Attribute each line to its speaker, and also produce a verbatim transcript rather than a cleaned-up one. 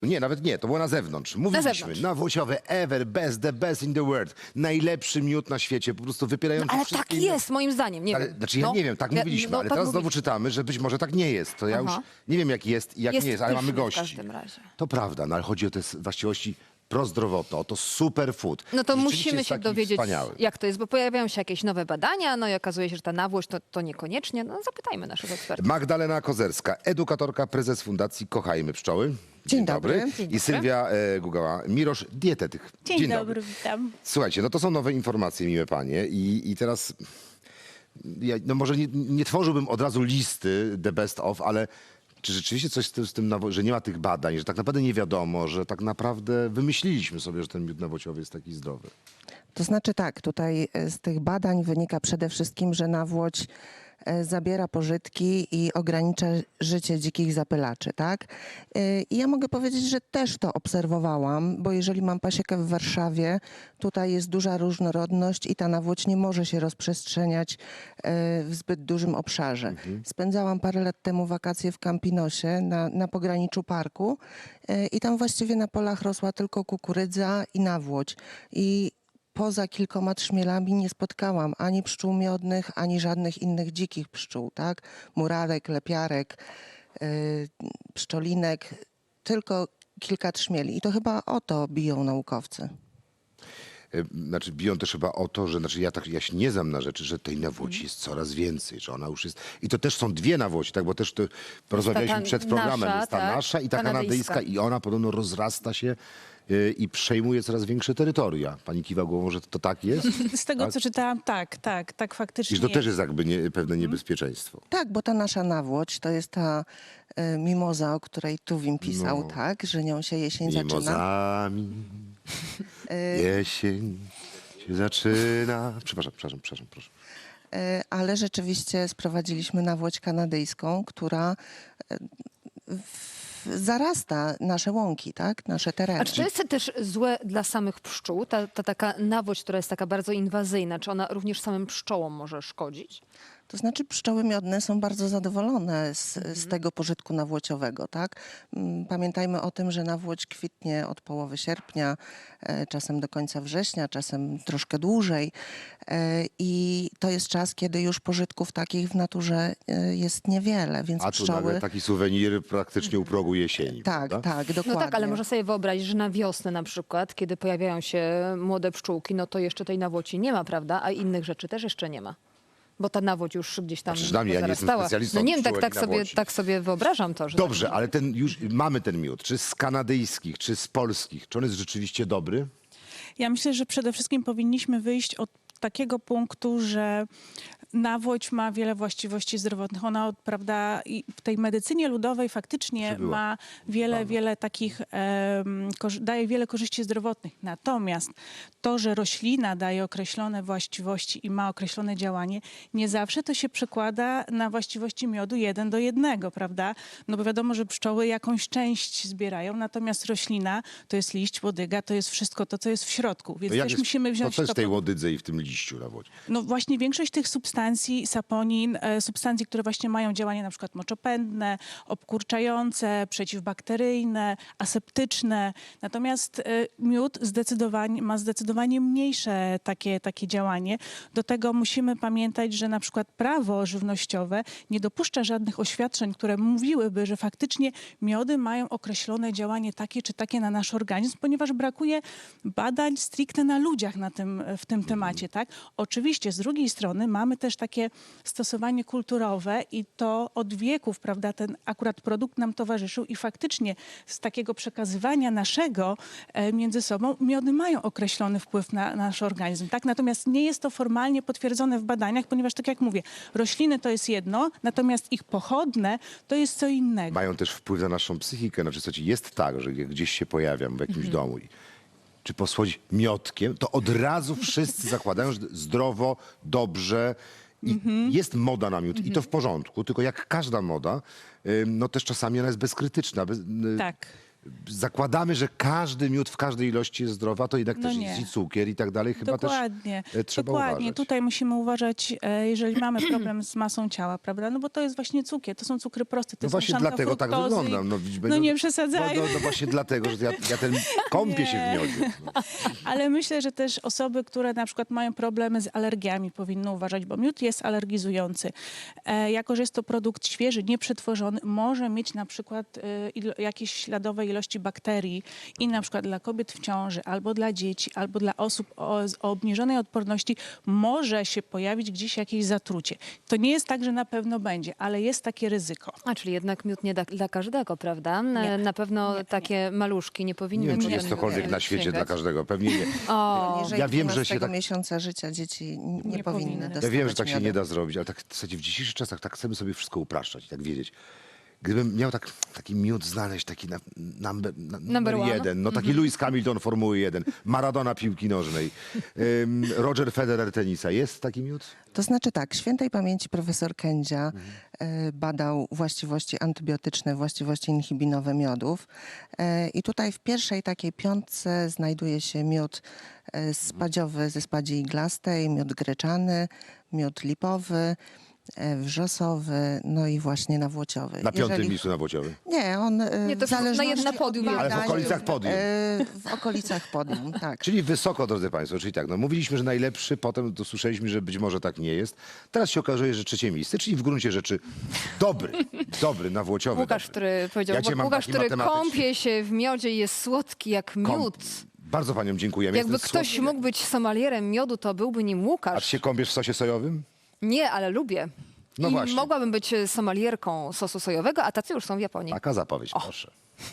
Speaker 1: Nie, nawet nie, to było na zewnątrz. Mówiliśmy,
Speaker 2: zewnątrz.
Speaker 1: nawłosiowy, ever, best, the best in the world. Najlepszy miód na świecie, po prostu wypierający
Speaker 2: No, ale
Speaker 1: wszystkie
Speaker 2: tak
Speaker 1: inne-
Speaker 2: jest, moim zdaniem. Nie
Speaker 1: Ale,
Speaker 2: wiem.
Speaker 1: znaczy ja
Speaker 2: No,
Speaker 1: nie wiem, tak
Speaker 2: ja-
Speaker 1: mówiliśmy,
Speaker 2: no,
Speaker 1: ale
Speaker 2: tak
Speaker 1: teraz znowu
Speaker 2: mówiliśmy.
Speaker 1: czytamy, że być może tak nie jest. To ja
Speaker 2: Aha.
Speaker 1: już nie wiem jak jest i jak
Speaker 2: Jest
Speaker 1: nie jest, ale mamy
Speaker 2: pyszny w
Speaker 1: gości.
Speaker 2: każdym razie.
Speaker 1: To prawda, no ale chodzi o te s- właściwości prozdrowotne, o to superfood.
Speaker 2: No to
Speaker 1: Rzeczywiście
Speaker 2: musimy
Speaker 1: jest
Speaker 2: się
Speaker 1: taki
Speaker 2: dowiedzieć,
Speaker 1: wspaniały.
Speaker 2: jak to jest, bo pojawiają się jakieś nowe badania, no i okazuje się, że ta nawłość to, to niekoniecznie. No zapytajmy naszych ekspertów.
Speaker 1: Magdalena Kozerska, edukatorka, prezes Fundacji Kochajmy Pszczoły.
Speaker 3: Dzień dobry.
Speaker 2: Dzień
Speaker 1: I
Speaker 2: dobry.
Speaker 1: Sylwia e, Gugała, Mirosz, dietetyk.
Speaker 4: Dzień, dobry, witam.
Speaker 1: Słuchajcie, no to są nowe informacje, miłe panie. I, i teraz, ja, no może nie, nie tworzyłbym od razu listy the best of, ale czy rzeczywiście coś z tym, z tym nawo- że nie ma tych badań, że tak naprawdę nie wiadomo, że tak naprawdę wymyśliliśmy sobie, że ten miód nawociowy jest taki zdrowy?
Speaker 3: To znaczy tak, tutaj e, z tych badań wynika przede wszystkim, że nawłoć e, zabiera pożytki i ogranicza życie dzikich zapylaczy, tak? E, I ja mogę powiedzieć, że też to obserwowałam, bo jeżeli mam pasiekę w Warszawie, tutaj jest duża różnorodność i ta nawłoć nie może się rozprzestrzeniać e, w zbyt dużym obszarze. Spędzałam parę lat temu wakacje w Campinosie na, na pograniczu parku e, i tam właściwie na polach rosła tylko kukurydza i nawłoć. I poza kilkoma trzmielami nie spotkałam ani pszczół miodnych, ani żadnych innych dzikich pszczół, tak? Murarek, lepiarek, yy, pszczolinek, tylko kilka trzmieli. I to chyba o to biją naukowcy.
Speaker 1: E, Znaczy biją też chyba o to, że znaczy ja, tak, ja się nie znam na rzeczy, że tej nawłoci
Speaker 2: Mhm.
Speaker 1: jest coraz więcej, że ona już jest... I to też są dwie nawłoci, tak? Bo też to porozmawialiśmy
Speaker 2: ta
Speaker 1: przed programem.
Speaker 2: nasza,
Speaker 1: jest ta
Speaker 2: tak,
Speaker 1: nasza i ta
Speaker 2: kanadyjska.
Speaker 1: kanadyjska i ona podobno rozrasta się y, i przejmuje coraz większe terytoria. Pani kiwa głową, że to tak jest?
Speaker 4: Z tego,
Speaker 1: Tak?
Speaker 4: co czytałam, tak, tak, tak faktycznie
Speaker 1: I że to też
Speaker 4: jest.
Speaker 1: jest jakby nie, pewne
Speaker 2: Mhm.
Speaker 1: niebezpieczeństwo.
Speaker 3: Tak, bo ta nasza nawłoć to jest ta y, mimoza, o której Tuwim pisał,
Speaker 1: No.
Speaker 3: tak? Że nią się jesień zaczyna.
Speaker 1: Mimozami
Speaker 2: Y-
Speaker 1: jesień się zaczyna. Przepraszam, przepraszam, przepraszam, proszę.
Speaker 3: E, ale rzeczywiście sprowadziliśmy nawłoć kanadyjską, która e, w- zarasta nasze łąki, tak? Nasze tereny.
Speaker 2: A czy to jest też złe dla samych pszczół? Ta, ta taka nawłość, która jest taka bardzo inwazyjna, czy ona również samym pszczołom może szkodzić?
Speaker 3: To znaczy pszczoły miodne są bardzo zadowolone z, z tego pożytku nawłociowego, tak? Mm, Pamiętajmy o tym, że nawłoć kwitnie od połowy sierpnia, e, czasem do końca września, czasem troszkę dłużej. E, I to jest czas, kiedy już pożytków takich w naturze e, jest niewiele, więc
Speaker 1: A tu
Speaker 3: pszczoły...
Speaker 1: nagle taki suwenir praktycznie u progu jesieni.
Speaker 3: Tak,
Speaker 1: prawda?
Speaker 3: tak,
Speaker 2: No
Speaker 3: dokładnie.
Speaker 2: tak, ale można sobie wyobrazić, że na wiosnę na przykład, kiedy pojawiają się młode pszczółki, no to jeszcze tej nawłoci nie ma, prawda? A innych rzeczy też jeszcze nie ma. Bo ta nawłoć już gdzieś tam
Speaker 1: Znaczy, znam, ja nie jestem
Speaker 2: zarastała.
Speaker 1: specjalistą
Speaker 2: No nie wiem, tak,
Speaker 1: pszczółek
Speaker 2: tak,
Speaker 1: i
Speaker 2: sobie,
Speaker 1: nawłoci.
Speaker 2: tak sobie wyobrażam to, że...
Speaker 1: Dobrze,
Speaker 2: tak,
Speaker 1: ale ten już mamy ten miód, czy z kanadyjskich, czy z polskich, czy on jest rzeczywiście dobry?
Speaker 4: Ja myślę, że przede wszystkim powinniśmy wyjść od takiego punktu, że nawłoć ma wiele właściwości zdrowotnych. Ona, od- prawda, i w tej medycynie ludowej faktycznie
Speaker 1: Przybyła.
Speaker 4: ma wiele,
Speaker 1: Dawno.
Speaker 4: wiele takich, em, korzy- daje wiele korzyści zdrowotnych. Natomiast to, że roślina daje określone właściwości i ma określone działanie, nie zawsze to się przekłada na właściwości miodu jeden do jednego, prawda? No bo wiadomo, że pszczoły jakąś część zbierają, natomiast roślina to jest liść, łodyga, to jest wszystko to, co jest w środku. Więc
Speaker 1: To jak
Speaker 4: też
Speaker 1: jest-
Speaker 4: musimy wziąć
Speaker 1: to co jest w tej
Speaker 4: pod-
Speaker 1: łodydze i w tym liściu nawodzi?
Speaker 4: no właśnie większość tych substancji, saponin, e, substancji, które właśnie mają działanie na przykład moczopędne, obkurczające, przeciwbakteryjne, aseptyczne. Natomiast e, miód zdecydowanie, ma zdecydowanie mniejsze takie, takie działanie. Do tego musimy pamiętać, że na przykład prawo żywnościowe nie dopuszcza żadnych oświadczeń, które mówiłyby, że faktycznie miody mają określone działanie takie czy takie na nasz organizm, ponieważ brakuje badań stricte na ludziach na tym, w tym temacie. Tak? Oczywiście z drugiej strony mamy też takie stosowanie kulturowe i to od wieków, prawda, ten akurat produkt nam towarzyszył i faktycznie z takiego przekazywania naszego e, między sobą miody mają określony wpływ na nasz organizm. Tak? Natomiast nie jest to formalnie potwierdzone w badaniach, ponieważ tak jak mówię, rośliny to jest jedno, natomiast ich pochodne to jest co innego.
Speaker 1: Mają też wpływ na naszą psychikę. Znaczy, słuchajcie, jest tak, że jak gdzieś się pojawiam w jakimś
Speaker 2: Mhm.
Speaker 1: domu i czy posłodzić miodkiem, to od razu wszyscy zakładają, że zdrowo, dobrze. I
Speaker 2: Mhm.
Speaker 1: jest moda na miód i to w porządku, tylko jak każda moda, ym, no też czasami ona jest bezkrytyczna. Bez, y,
Speaker 4: Tak.
Speaker 1: zakładamy, że każdy miód w każdej ilości jest zdrowy, a to jednak
Speaker 4: No
Speaker 1: też
Speaker 4: nie.
Speaker 1: jest i cukier i tak dalej. Chyba
Speaker 4: Dokładnie.
Speaker 1: też e, trzeba
Speaker 4: Dokładnie.
Speaker 1: uważać.
Speaker 4: Tutaj musimy uważać, e, jeżeli mamy problem z masą ciała, prawda? No bo to jest właśnie cukier, to są cukry proste. To
Speaker 1: No
Speaker 4: są
Speaker 1: właśnie
Speaker 4: szanka
Speaker 1: dlatego tak
Speaker 4: fruktozy i-
Speaker 1: wyglądam. No, widzisz,
Speaker 4: no nie
Speaker 1: no,
Speaker 4: przesadzajmy.
Speaker 1: No, no, no właśnie dlatego, że ja, ja ten kąpię się w miodzie. No.
Speaker 4: Ale myślę, że też osoby, które na przykład mają problemy z alergiami, powinny uważać, bo miód jest alergizujący. E, jako, że jest to produkt świeży, nieprzetworzony, może mieć na przykład e, ilo, jakieś śladowe ilości bakterii i na przykład dla kobiet w ciąży, albo dla dzieci, albo dla osób o, z- o obniżonej odporności może się pojawić gdzieś jakieś zatrucie. To nie jest tak, że na pewno będzie, ale jest takie ryzyko.
Speaker 2: A, czyli jednak miód nie da, dla każdego, prawda?
Speaker 4: Nie.
Speaker 2: Na pewno
Speaker 4: Nie,
Speaker 2: takie maluszki nie powinny
Speaker 1: Nie wiem, czy
Speaker 2: potem
Speaker 1: jest cokolwiek na świecie
Speaker 2: sięgać.
Speaker 1: dla każdego. Pewnie nie.
Speaker 2: O,
Speaker 3: Jeżeli
Speaker 1: ja wiem, że się tak-
Speaker 3: miesiąca życia dzieci n- nie,
Speaker 4: Nie
Speaker 3: powinny
Speaker 4: powinny.
Speaker 3: dostawać
Speaker 1: Ja wiem, że tak się
Speaker 3: miodu.
Speaker 1: nie da zrobić, ale tak w zasadzie w dzisiejszych czasach tak chcemy sobie wszystko upraszczać i tak wiedzieć. Gdybym miał tak, taki miód znaleźć, taki na, number, na,
Speaker 2: Number
Speaker 1: numer
Speaker 2: one.
Speaker 1: jeden, no taki Lewis Hamilton Formuły jeden, Maradona piłki nożnej, ym, Roger Federer tenisa. Jest taki miód?
Speaker 3: To znaczy tak, świętej pamięci profesor Kędzia
Speaker 1: Mhm.
Speaker 3: e, badał właściwości antybiotyczne, właściwości inhibinowe miodów. E, I tutaj w pierwszej takiej piątce znajduje się miód e, spadziowy ze spadzi iglastej, miód greczany, miód lipowy, e, wrzosowy, no i właśnie nawłociowy.
Speaker 1: Na piątym
Speaker 3: Jeżeli-
Speaker 1: miejscu nawłociowy.
Speaker 3: Nie, on e,
Speaker 2: Nie, to
Speaker 3: w
Speaker 2: na
Speaker 3: zależności
Speaker 2: jedno
Speaker 3: od
Speaker 2: podium jest.
Speaker 1: Ale w
Speaker 3: badań,
Speaker 1: okolicach podium.
Speaker 3: e, W okolicach podium, tak.
Speaker 1: Czyli wysoko, drodzy Państwo, czyli tak, no mówiliśmy, że najlepszy, potem to słyszeliśmy, że być może tak nie jest. Teraz się okazuje, że trzecie miejsce, czyli w gruncie rzeczy dobry, dobry, nawłociowy.
Speaker 2: Łukasz,
Speaker 1: dobry.
Speaker 2: który powiedział,
Speaker 1: Ja cię mam
Speaker 2: Łukasz,
Speaker 1: taki
Speaker 2: który
Speaker 1: matematyczny.
Speaker 2: kąpie się w miodzie i jest słodki jak
Speaker 1: Kąp-
Speaker 2: miód.
Speaker 1: Bardzo Paniom dziękujemy.
Speaker 2: Jakby
Speaker 1: Jestem
Speaker 2: ktoś
Speaker 1: słodki.
Speaker 2: mógł być somalierem miodu, to byłby nim
Speaker 1: A
Speaker 2: Łukasz.
Speaker 1: ty się kąpiesz w sosie sojowym?
Speaker 2: Nie, ale lubię.
Speaker 1: No
Speaker 2: I
Speaker 1: właśnie.
Speaker 2: mogłabym być somalierką sosu sojowego, a tacy już są w Japonii.
Speaker 1: Taka zapowiedź, proszę.